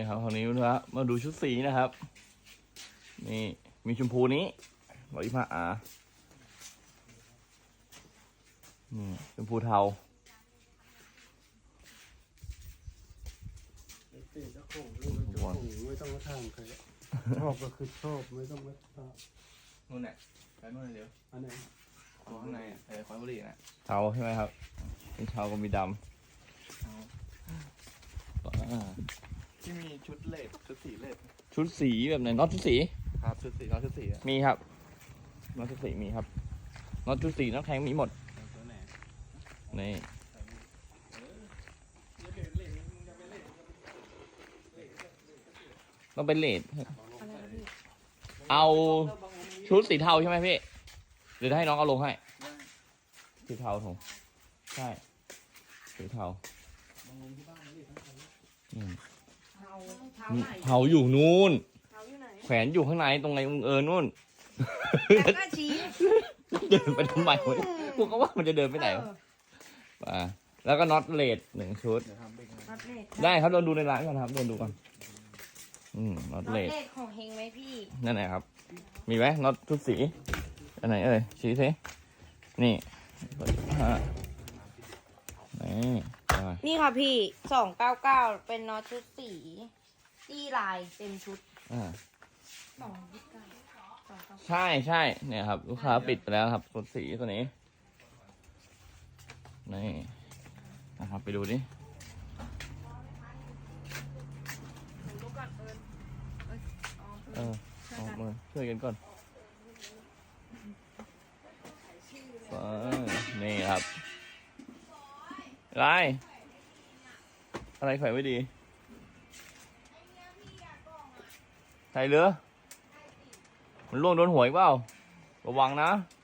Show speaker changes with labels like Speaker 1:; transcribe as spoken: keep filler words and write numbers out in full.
Speaker 1: ครับคราวนี้นะครับมาดูชุดสีนะครับนี่มีชมพูนี้ร้อยยี่สิบห้าอานี่ชมพูเทา
Speaker 2: ตีเจ้าของเรื่องเจ้าของไม่ต้องมาทำใครชอบก็คือชอบไม่ต้องมาทำ
Speaker 3: นู่นแหละไปนู่นเดี๋ยว
Speaker 2: อันไหน
Speaker 3: ตัวข้างในอ่ะไอ้คอนบุหรี่นะ
Speaker 1: เทาใช่ไหมครับเป็นเทาก็มีดำอ่า
Speaker 3: ที่มีชุดเลดชุดสีเลด
Speaker 1: ชุดสีแบบไหนน็อตชุดสี
Speaker 3: ครับชุดสีน้องชุดสีอ่ะ
Speaker 1: มีครับน็อตชุดสีมีครับน็อตชุดสีน็อตแทงมีหมด
Speaker 3: ตัวไหน
Speaker 1: นี่ต้องเป็นเลดเอาชุดสีเทาใช่ไหมพี่หรือให้น้องเอาลงให้สีเทาถูกใช่สีเทาอืม
Speaker 4: เทาเทาไหน
Speaker 1: เทาอยู่นู่น
Speaker 4: เทาอยู่ไหน
Speaker 1: แขวนอยู่ข้างในตรงไหนเออนู่น
Speaker 4: แต่ก็ชี้
Speaker 1: เดินไปทำไมวะกูก็ว่ามันจะเดินไปไหนวะอ่าแล้วก็น็อตเลดหนึ่งชุด
Speaker 3: เดี๋ยวทำเป็น
Speaker 4: น็อตเลด
Speaker 1: ได้ครับเดินดูในร้านก่อนครับเดินดูก่อนอืมน็อต
Speaker 4: น็อต
Speaker 1: เล
Speaker 4: เล
Speaker 1: ด
Speaker 4: ดของเฮงไหมพี่
Speaker 1: นั่นไหนครับ มีไหมน็อตชุดสีอันไหนเอ่ยชี้สินี่ฮะนี่อ่า
Speaker 4: นี่ค่ะพี่สองเก้าเก้าเป็นน็อตชุดสีตี้ลายเต็มชุด
Speaker 1: อ่า
Speaker 4: สองยี่สิบเก้าสองเก้า
Speaker 1: ใช่ใช่เนี่ยครับลูกค้าปิดไปแล้วครับชุดสีตัวนี้นี่นะครับไปดูดิ
Speaker 4: ดูก่อนเอิญเอ้ยอ๋อ
Speaker 1: เออออกมาช่วยกันก่อนไปนี่ครับอะไรอะไรแขวนไว้ดีใส่เรือมันล่วงโดนหวยเปล่าระวังนะ